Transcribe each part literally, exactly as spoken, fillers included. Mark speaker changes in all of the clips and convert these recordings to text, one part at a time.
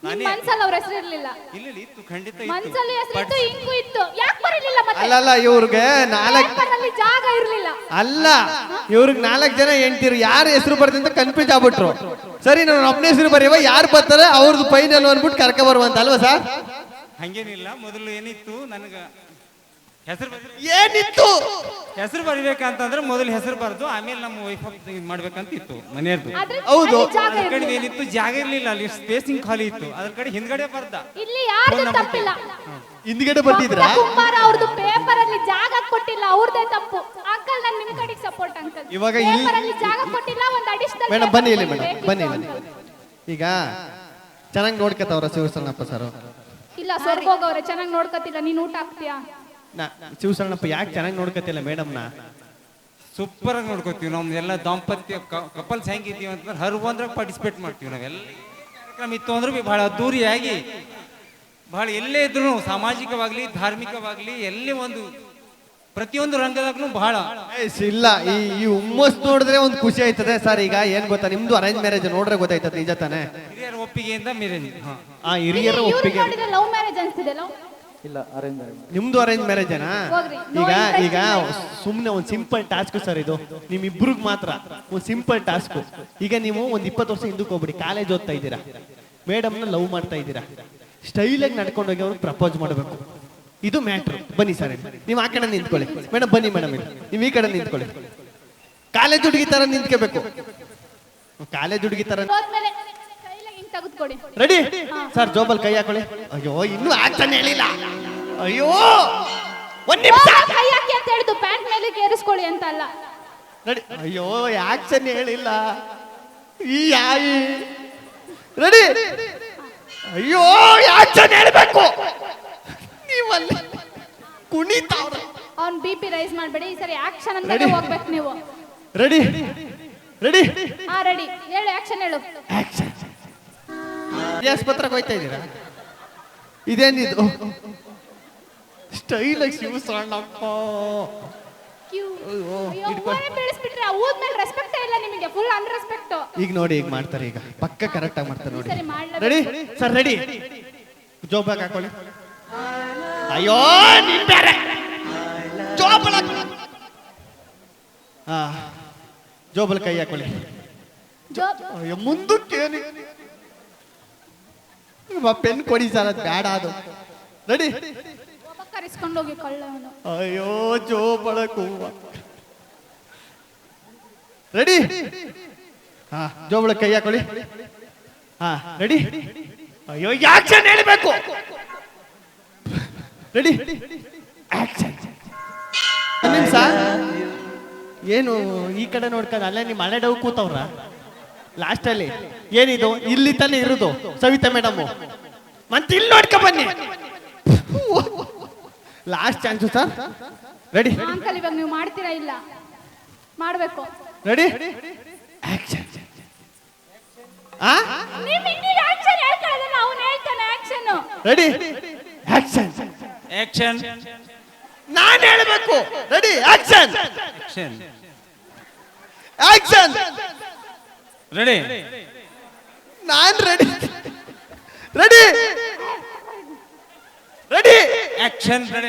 Speaker 1: ನಿನ್
Speaker 2: ನಾನೇ
Speaker 1: ಮನ್ಸಲ್ಲಿ ಅವ್ರ ಹೆಸರು ಇರ್ಲಿಲ್ಲ.
Speaker 2: ಇಲ್ಲ ಇಲ್ಲ, ಇತ್ತು ಖಂಡಿತ ಇತ್ತು.
Speaker 1: ಮನ್ಸಲ್ಲಿ ಹೆಸರು ಇತ್ತು, ಇಂಕು ಇತ್ತು. ಯಾಕೆ ಬರಲಿಲ್ಲ ಮತ್ತೆ?
Speaker 3: ಅಲ್ಲಲ್ಲ ಇವ್ರಿಗೆ ನಾಲ್ಕು
Speaker 1: ಪೇಪರಲ್ಲಿ ಜಾಗ ಇರ್ಲಿಲ್ಲ.
Speaker 3: ಅಲ್ಲ ಇವ್ರಿಗೆ ನಾಲ್ಕು ಜನ ಹೆಂಡ್ತಿರು ಯಾರ ಹೆಸರು ಬರ್ತೀನಿ ಅಂತ ಕನ್ಫ್ಯೂಸ್ ಆಗ್ಬಿಟ್ರು. ಸರಿ ನಾನು ಒಬ್ಬನೇ ಹೆಸರು ಬರೆಯುವ, ಯಾರು ಬರ್ತಾರೆ ಅವ್ರದ್ದು ಫೈನಲ್ ಅಂದ್ಬಿಟ್ಟು ಕರ್ಕ ಬರುವಂತ ಅಲ್ವಾ ಸರ್?
Speaker 2: ಹಂಗೇನಿಲ್ಲ, ಮೊದಲು ಏನಿತ್ತು ನನಗ ಹೆಸರು
Speaker 3: ಏನಿತ್ತು
Speaker 2: ಹೆಸರು ಬರಿಬೇಕಂತಂದ್ರೆ ಮೊದಲು ಹೆಸರು ಬರೆದು ಆಮೇಲೆ ನಮ್ಮ ವೈಫ್ ಮಾಡ್ಬೇಕಂತ ಇತ್ತು ಮನೆಯದ್ದು.
Speaker 1: ಆದ್ರೆ
Speaker 3: ಹೌದು.
Speaker 1: ಅಲ್ಲಿ ಜಾಗ
Speaker 2: ಅದ್ರ ಕಡೆ
Speaker 1: ಇರ್ಲಿಲ್ಲ.
Speaker 2: ಏನಿತ್ತು, ಜಾಗ ಇರ್ಲಿಲ್ಲ, ಅಲ್ಲಿ ಸ್ಪೇಸಿಂಗ್ ಖಾಲಿ ಇತ್ತು. ಅದ್ರ ಕಡೆ ಹಿಂದ್ಗಡೆ ಬರ್ದ
Speaker 1: ಇಲ್ಲಿ ಯಾರ್ದು ತಪ್ಪಿಲ್ಲ.
Speaker 3: ಹಿಂದ್ಗಡೆ ಬರ್ತಿದ್ರಾ?
Speaker 1: ಕುಮಾರ ಅವ್ರದ್ದು ಪೇಪರ್ ಅಲ್ಲಿ ಜಾಗ ಕೊಟ್ಟಿಲ್ಲ, ಅವ್ರದೇ ತಪ್ಪು. ಅಂಕಲ್ ನಾನು ನಿಮ್ ಕಡೆಗೆ ಸಪೋರ್ಟ್ ಅಂಕಲ್.
Speaker 3: ಇವಾಗ ಇಲ್ಲಿ-
Speaker 1: ಪೇಪರ್ ಅಲ್ಲಿ ಜಾಗ ಕೊಟ್ಟಿಲ್ಲ, ಒಂದು ಅಡಿಷನಲ್.
Speaker 3: ಮೇಡಮ್ ಬನ್ನಿ ಇಲ್ಲಿ ಮೇಡಮ್ ಬನ್ನಿ ಇಲ್ಲಿ. ಈಗ ಚೆನ್ನಾಗಿ ನೋಡ್ಕತ್ತವ್ರ ಶಿವಸರಣಪ್ಪ ಸರ್?
Speaker 1: ಇಲ್ಲ, ಸ್ವರ್ಗ ಹೋಗವ್ರೆ, ಚೆನ್ನಾಗಿ ನೋಡ್ಕತಿಲ್ಲ. ನೀನ್ ಊಟ ಹಾಕ್ತೀಯಾ?
Speaker 3: ಶಿವಸರಣಪ್ಪ ಯಾಕೆ ಚೆನ್ನಾಗಿ ನೋಡ್ಕತಿಲ್ಲ ಮೇಡಮ್ನ?
Speaker 2: ಸೂಪರ್ ಆಗಿ ನೋಡ್ಕೋತೀವಿ. ನಮ್ದೆಲ್ಲ ದಾಂಪತ್ಯ ಕಪಲ್ಸ್ ಹೆಂಗಿದೀವಿ ಅಂತಂದ್ರೆ ಹರ್ ಒಂದ್ರಾಗ ಪಾರ್ಟಿಸಿಪೇಟ್ ಮಾಡ್ತೀವಿ. ನಾವೆಲ್ಲ ಕಾರ್ಯಕ್ರಮ ಇತ್ತು ಅಂದ್ರೆ ಬಿ ಬಹಳ ಅದ್ದೂರಿಯಾಗಿ, ಬಹಳ ಎಲ್ಲೇ ಇದ್ರು ಸಾಮಾಜಿಕವಾಗ್ಲಿ ಧಾರ್ಮಿಕವಾಗ್ಲಿ ಎಲ್ಲೇ ಒಂದು ಪ್ರತಿಯೊಂದು ರಂಗದಾಗ್ಲೂ ಬಹಳ
Speaker 3: ಏಸ್ ಇಲ್ಲ. ಈ ಈ ಹುಮ್ಮಸ್ ನೋಡಿದ್ರೆ ಒಂದು ಖುಷಿ ಆಯ್ತದೆ ಸರ್. ಈಗ ಏನ್ ಗೊತ್ತಾ, ನಿಮ್ದು ಅರೇಂಜ್ ಮ್ಯಾರೇಜ್ ನೋಡ್ರೆ ಗೊತ್ತಾಯ್ತದೆ ನಿಜ ತಾನೆ?
Speaker 2: ಹಿರಿಯರ ಒಪ್ಪಿಗೆಯಿಂದ ಮೇರೆ
Speaker 3: ಆ ಹಿರಿಯರ ಒಪ್ಪಿಗೆ.
Speaker 1: ಲವ್ ಮ್ಯಾರೇಜ್ ಅನ್ಸ್ತಿದೆ. ಲವ್
Speaker 4: ಇಲ್ಲ ಅರೇಂಜ್
Speaker 3: ನಿಮ್ದು ಅರೇಂಜ್ ಮ್ಯಾರೇಜೇನಾ?
Speaker 1: ಹೋಗ್ರಿ.
Speaker 3: ಈಗ ಈಗ ಸುಮ್ನೆ ಒಂದ್ ಸಿಂಪಲ್ ಟಾಸ್ಕ್ ಸರ್ ಇದು. ನಿಮ್ ಇಬ್ರಿಗೆ ಮಾತ್ರ ಒಂದ್ ಸಿಂಪಲ್ ಟಾಸ್ಕ್. ಈಗ ನೀವು ಒಂದ್ ಇಪ್ಪತ್ತು ವರ್ಷ ಹಿಂದಕ್ಕೆ ಹೋಗ್ಬಿಡಿ, ಕಾಲೇಜ್ ಓದ್ತಾ ಇದ್ದೀರಾ, ಮೇಡಮ್ನ ಲವ್ ಮಾಡ್ತಾ ಇದ್ದೀರಾ, ಸ್ಟೈಲ್ ಆಗಿ ನಡ್ಕೊಂಡು ಹೋಗಿ ಅವ್ರು ಪ್ರಪೋಸ್ ಮಾಡಬೇಕು. ಇದು ಮ್ಯಾಟ್ರು. ಬನ್ನಿ ಸರ್, ನೀವು ಆ ಕಡೆ ನಿಂತ್ಕೊಳ್ಳಿ. ಮೇಡಮ್ ಬನ್ನಿ ಮೇಡಮ್, ನೀವು ಈ ಕಡೆ ನಿಂತ್ಕೊಳ್ಳಿ. ಕಾಲೇಜ್ ಹುಡುಗಿ ತರ ನಿಂತ್ಕೋಬೇಕು. ಕಾಲೇಜ್ ಹುಡುಗಿ ತರ
Speaker 1: ಹೋದ್ಮೇಲೆ ಕೈಲಾಗ ಹಿಂಗ್ ತೆಗೆದುಕೊಡಿ.
Speaker 3: Ready sir? ಜೋಬಲ್ ಕೈ ಹಾಕೊಳ್ಳಿ. ಅಯ್ಯೋ ಇನ್ನೂ ಆಕ್ಷನ್ ಹೇಳಿಲ್ಲ. ಅಯ್ಯೋ ಒಂದ್ ನಿಮಿಷ.
Speaker 1: ಕೈ ಹಾಕಿ ಅಂತ ಹೇಳಿದ್ದು, ಪ್ಯಾಂಟ್ ಮೇಲೆ ಏರಿಸ್ಕೊಳ್ಳಿ ಅಂತ ಅಲ್ಲ.
Speaker 3: ರೆಡಿ? ಅಯ್ಯೋ ಆಕ್ಷನ್ ಹೇಳಿಲ್ಲ ಈ ಯಾಯಿ. ರೆಡಿ? ಅಯ್ಯೋ ಆಕ್ಷನ್ ಹೇಳ್ಬೇಕು. ನೀವಲ್ಲಿ ಕುಣಿತಾವ್ರ.
Speaker 1: ಅವ್ನ್ ಬಿ ಪಿ ರೈಸ್ ಮಾಡ್ಬೇಡಿ. ಈ ಸರಿ ಆಕ್ಷನ್ ಅಂತ ಹೋಗ್ಬೇಕು ನೀವು.
Speaker 3: ರೆಡಿ? ರೆಡಿ?
Speaker 1: ಹಾ ರೆಡಿ. ಹೇಳು, ಆಕ್ಷನ್ ಹೇಳು.
Speaker 3: ಆಕ್ಷನ್. ಆಸ್ಪತ್ರೆಗೆ ಹೋಯ್ತಾ ಇದ್ದೀರಾ? ಇದೇನಿದು ಸ್ಟೈಲ್ ಆಗಿ ಶಿವಸರಣಪ್ಪ.
Speaker 1: ಕ್ಯೂ. ಅಯ್ಯೋ, ಊರೇ ಬೆಳೆಸ್ಬಿಟ್ರೆ ಊದ್ಮೇಲೆ ರೆಸ್ಪೆಕ್ಟ್ ಇಲ್ಲ ನಿಮಗೆ, ಫುಲ್ ಅನ್ರೆಸ್ಪೆಕ್ಟ್.
Speaker 3: ಈಗ ನೋಡಿ ಈಗ ಮಾಡ್ತಾರೆ, ಈಗ ಪಕ್ಕ ಕರೆಕ್ಟ್ ಆಗಿ ಮಾಡ್ತಾರೆ ನೋಡಿ.
Speaker 1: ಸರಿ ಮಾಡ್ಲಾ.
Speaker 3: Ready sir? ರೆಡಿ? ಜೋಬಾಗ ಹಾಕೊಳ್ಳಿ. ಅಯ್ಯೋ ನೀನ್ ಬೇರೆ ಜೋಬಳ. ಹಾ ಜೋಬಲ್ ಕೈ ಹಾಕೊಳ್ಳಿ.
Speaker 1: ಜೋಬ್.
Speaker 3: ಅಯ್ಯೋ ಮುಂದಕ್ಕೆ ಪೆನ್ ಕೊಡಿ ಸರ್, ಅದು ಬೇಡ ಅದು. ರೆಡಿ?
Speaker 1: ಕರೆಸ್ಕೊಂಡು ಹೋಗಿ ಕಳ್ಳ ಅವನು.
Speaker 3: ಅಯ್ಯೋ ಜೋಬಳ ಕೂವ. ರೆಡಿ? ಹಾ ಜೋಬಳ ಕೈ ಹಾಕೊಳ್ಳಿ. ಹಾ ರೆಡಿ? ಅಯ್ಯೋ ಆಕ್ಷನ್ ಹೇಳಬೇಕು. ರೆಡಿ? ಆಕ್ಷನ್. ನಿಮಿಷ ಏನು ಈ ಕಡೆ ನೋಡ್ಕೊಂಡು ಅಲ್ಲೇ ನಿಮ್ಮ ಹಳೆ ಡವ್ ಕೂತವ್ರ ಲಾಸ್ಟ್ ಅಲ್ಲಿ. ಏನಿದು ಇಲ್ಲಿ ತಾನೇ ಇರುದು ಸವಿತಾ ಮೇಡಮ್, ಮತ್ತೆ ಇಲ್ಲಿ ನೋಡ್ಕೊ ಬನ್ನಿ. Last chance sir. Ready?
Speaker 1: Uncle ಇವಾಗ ನೀವು ಮಾಡ್ತೀರಾ? ಇಲ್ಲ, ಮಾಡ್ಬೇಕು.
Speaker 3: ರೆಡಿ? ಆಕ್ಷನ್. ಆ
Speaker 1: ನೀವು ಇನ್ನೀಗ ಆಕ್ಷನ್ ಹೇಳ್ಕೊಳ್ಳೋದನ್ನ ಅವನು ಹೇಳ್ತಾನೆ. ಆಕ್ಷನ್.
Speaker 3: ರೆಡಿ? ಆಕ್ಷನ್.
Speaker 2: ಆಕ್ಷನ್.
Speaker 3: ನಾನು ಹೇಳಬೇಕು. Ready? Action.
Speaker 2: Action.
Speaker 3: Action.
Speaker 2: Ready?
Speaker 3: ನಾನ್ ready. Ready? Ready?
Speaker 2: Action. Ready?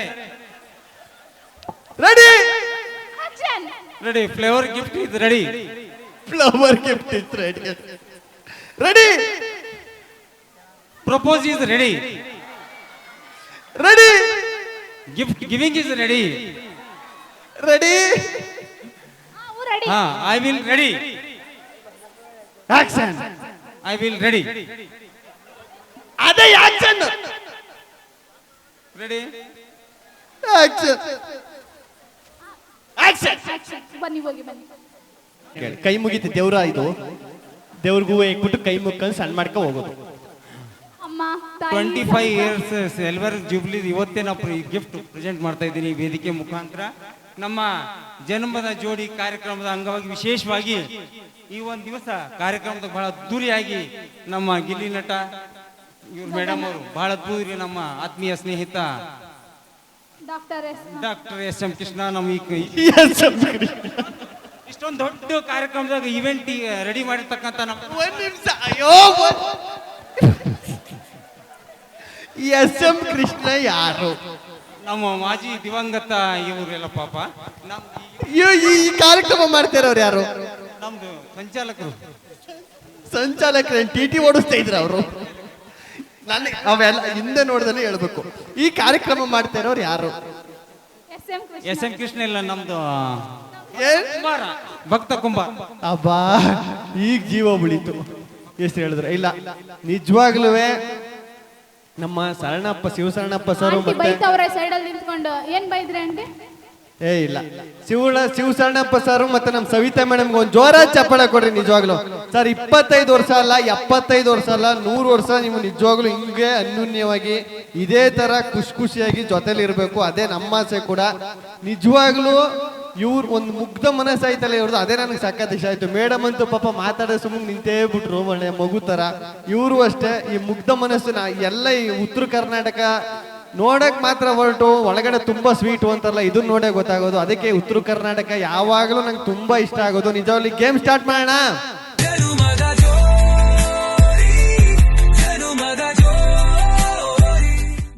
Speaker 3: Ready?
Speaker 1: Action.
Speaker 2: Ready? Flower gift is ready.
Speaker 3: Flower gift is ready. Ready?
Speaker 2: Propose is ready.
Speaker 3: Ready?
Speaker 2: Gift giving is ready.
Speaker 3: Ready?
Speaker 1: Ready.
Speaker 2: ಹಾ I will ready.
Speaker 3: Action.
Speaker 2: I will ready.
Speaker 3: ಅದೇ action.
Speaker 2: Ready?
Speaker 3: Action. Action.
Speaker 1: Action. ಬನ್ನಿ ಹೋಗಿ ಬನ್ನಿ.
Speaker 3: ಕೈ ಮುಗಿತು ದೇವ್ರ, ಇದು ದೇವ್ರಿಗೂ ಇಕ್ಬಿಟ್ಟು ಕೈ ಮುಗ್ಕೊಂಡು ಸಣ್ಣ ಮಾಡ್ಕೊ ಹೋಗೋದು.
Speaker 1: ಅಮ್ಮ ತಾಯಿ.
Speaker 2: Twenty five years silver jubilee ಇವತ್ತೇ ನಾವು ಗಿಫ್ಟ್ ಪ್ರೆಸೆಂಟ್ ಮಾಡ್ತಾ ಇದ್ದೀನಿ ಈ ವೇದಿಕೆ ಮುಖಾಂತರ. ನಮ್ಮ ಜನ್ಮದ ಜೋಡಿ ಕಾರ್ಯಕ್ರಮದ ಅಂಗವಾಗಿ ವಿಶೇಷವಾಗಿ ಈ ಒಂದು ದಿವಸ ಕಾರ್ಯಕ್ರಮದ ಬಹಳ ಅದ್ದೂರಿಯಾಗಿ ನಮ್ಮ ಗಿಲ್ಲಿ ನಟ ಇವ್ರು ಮೇಡಮ್ ಅವರು ಬಹಳ ಅದ್ದೂರಿ, ನಮ್ಮ ಆತ್ಮೀಯ ಸ್ನೇಹಿತ
Speaker 1: doctor S
Speaker 2: doctor S M Krishna ನಮ್ಮ ಈ ಇಷ್ಟೊಂದು ದೊಡ್ಡ ಕಾರ್ಯಕ್ರಮದಾಗ ಇವೆಂಟ್ ರೆಡಿ ಮಾಡಿರ್ತಕ್ಕಂಥ ನಮ್ಮ
Speaker 3: ಒಂದ್ ನಿಮಿಷ. ಅಯ್ಯೋ ಎಸ್ ಎಂ ಕೃಷ್ಣ ಯಾರು?
Speaker 2: ನಮ್ಮ ಮಾಜಿ ದಿವಂಗತ ಇವರೆಲ್ಲ ಪಾಪ ನಮ್ದು
Speaker 3: ಅಯ್ಯೋ, ಈ ಈ ಕಾರ್ಯಕ್ರಮ ಮಾಡ್ತಿರೋರು ಯಾರು?
Speaker 2: ನಮ್ದು ಸಂಚಾಲಕರು.
Speaker 3: ಸಂಚಾಲಕರು ಟಿ ಟಿ ಓಡಿಸ್ತಾ ಇದ್ರ ಅವರು. ನನಗೆ ಅವೆಲ್ಲ ಹಿಂದೆ ನೋಡ್ದೇ ಹೇಳ್ಬೇಕು. ಈ ಕಾರ್ಯಕ್ರಮ ಮಾಡ್ತಾ ಇರೋರು ಯಾರು?
Speaker 1: S M Krishna.
Speaker 2: S M Krishna ಇಲ್ಲ, ನಮ್ದು
Speaker 3: ಏನ್?
Speaker 2: ಕುಂಬಾರ, ಭಕ್ತ ಕುಂಬಾರ.
Speaker 3: ಅಬ್ಬಾ, ಈಗ ಜೀವ ಉಳಿತು. ಎಷ್ಟು ಹೇಳಿದ್ರೆ ಇಲ್ಲ, ನಿಜವಾಗ್ಲೂ ನಮ್ಮ ಶರಣಪ್ಪ ಶಿವಶರಣಪ್ಪ ಸರ್
Speaker 1: ಆಂಟಿ
Speaker 3: ಮತ್ತೆ
Speaker 1: ಬೈತವ್ರೆ ಸೈಡಲ್ಲಿ ನಿಂತ್ಕೊಂಡು. ಏನ್ ಬೈದ್ರಿ ಆಂಟಿ?
Speaker 3: ಏ ಇಲ್ಲ, ಶಿವಳ ಶಿವಶರಣಪ್ಪ ಸರ್ ಮತ್ತೆ ನಮ್ಮ ಸವಿತಾ ಮೇಡಮ್ಗೆ ಒಂದು ಜೋರಾದ ಚಪ್ಪಾಳೆ ಕೊಡ್ರಿ. ನಿಜವಾಗ್ಲು ಸರ್, ಇಪ್ಪತ್ತೈದು ವರ್ಷ ಅಲ್ಲ, ಎಪ್ಪತ್ತೈದು ವರ್ಷ ಅಲ್ಲ, ನೂರು ವರ್ಷ ನೀವು ನಿಜವಾಗ್ಲು ಹಿಂಗೆ ಅನ್ಯೂನ್ಯವಾಗಿ ಇದೇ ತರ ಖುಷಿ ಖುಷಿಯಾಗಿ ಜೊತೆಲಿ ಇರಬೇಕು. ಅದೇ ನಮ್ಮ ಆಸೆ ಕೂಡ. ನಿಜವಾಗ್ಲು ಇವ್ರು ಒಂದು ಮುಗ್ಧ ಮನಸ್ಸಾಯ್ತಲ್ಲ ಇವ್ರದ್ದು, ಅದೇ ನನಗೆ ಸಖತ್ ಇಷ್ಟ ಆಯ್ತು. ಮೇಡಮ್ ಅಂತೂ ಪಾಪ ಮಾತಾಡೋ ಸುಮ್ಮನೆ ನಿಂತೇ ಬಿಟ್ರು, ಒಳ್ಳೆ ಮಗು ತರ. ಇವರು ಅಷ್ಟೇ, ಈ ಮುಗ್ಧ ಮನಸ್ಸಿನ ಎಲ್ಲ ಈ ಉತ್ತರ ಕರ್ನಾಟಕ ನೋಡಕ್ ಮಾತ್ರ ಹೊರಟು ಒಳಗಡೆ ತುಂಬಾ ಸ್ವೀಟು ಅಂತಾರಲ್ಲ, ಇದನ್ನ ನೋಡೇ ಗೊತ್ತಾಗೋದು. ಅದಕ್ಕೆ ಉತ್ತರ ಕರ್ನಾಟಕ ಯಾವಾಗಲೂ ನಂಗೆ ತುಂಬಾ ಇಷ್ಟ ಆಗೋದು. ನಿಜವಾಗ್ಲಿ ಗೇಮ್ ಸ್ಟಾರ್ಟ್ ಮಾಡೋಣ.